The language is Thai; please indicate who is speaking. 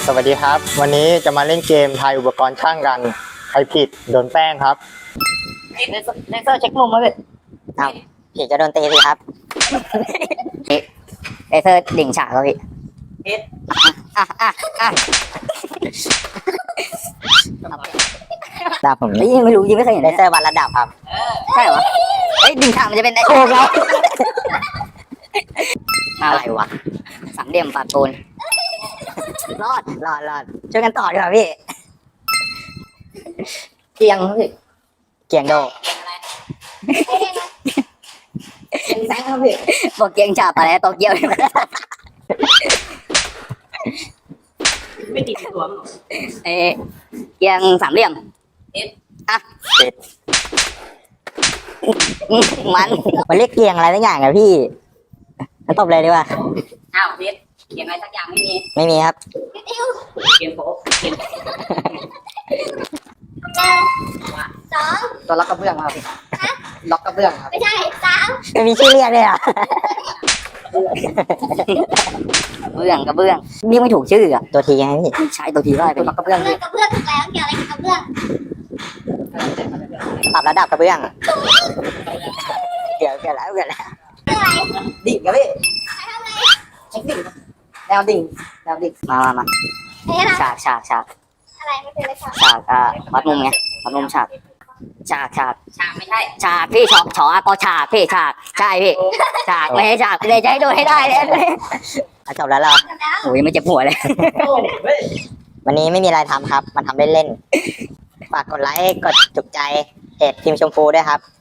Speaker 1: สวัสดีครับวันนี้จะมาเล่นเกมทายอุปกรณ์ช่างกันใครผิดโดนแป้งครับ
Speaker 2: เลเซอร์เช็คมุมมาเลยเอาพี่จะโดนตีสิครับเลเซอร์ดิ่งฉากครับพี่ดาบผมไม่รู้ยังไม่เคยเห็นเลเซอร์วัดระดับครับใช่เหรอเฮ้ยดิ่งฉากมันจะเป็นโอ้ครับอะไรวะสามเหลี่ยมปาดปูนรอดช่วยกันต่อดีกว่าพี่เกียงพี่เกียงโดเกียงแซงครับพี่บอกเกียงฉาบอะไรโตเกียว
Speaker 3: ไม่ติดตัวมั้ง
Speaker 2: เกียงสามเหลี่ยมอ่ะติดมันเรียกเกียงอะไรสักอย่างอะพี่มันตบเลยดีกว่า
Speaker 3: อ้าวเพชรเขียนอะไรสักอย่างไม่มี
Speaker 2: ครับ
Speaker 3: เขียนโป๊ะเขียน
Speaker 2: ตัวล็อกกระเบื้องครับล็อกกระเบื้องครับ
Speaker 4: ไม่ใช่3
Speaker 2: ไม่มีชื่อเรียกเลยอ่ะเบื้องกระเบื้องเรียกไม่ถูกชื่ออ่ะตัวทีไงพี่ใช้ตัวทีได้เป็นล็อกกระเบื้อง
Speaker 4: กระเบื้องถูกแล้วเกี่ยวอะไรกับกระเบื้อง
Speaker 2: ปรับระดับกระเบื้องเกี่ยวแล้ว
Speaker 4: เรื่องอะไร
Speaker 2: ดิ่งครับพี่
Speaker 4: ใครทำอะไร
Speaker 2: เช็คดิ่งแนวดิ่งมา
Speaker 4: เฮ้ยอะไร
Speaker 2: ฉาก
Speaker 4: อะไรไม่เป็นไรค่ะ
Speaker 2: ฉากวัดมุมไงวัดมุมฉาก
Speaker 3: ฉากไม่ใช่
Speaker 2: ฉากพี่ฉากฉากพี่ฉากใช่พี่ฉากไม่ให้ฉากเลยจะให้โดนให้ได้เลยจบแล้วเหรอ
Speaker 4: จบแล้ว
Speaker 2: โอ้ยไม่เจ็บหัวเลย วันนี้ไม่มีอะไรทำครับมันทำเล่นๆฝากกดไลค์กดจุกใจเพจทีมชมพูด้วยครับ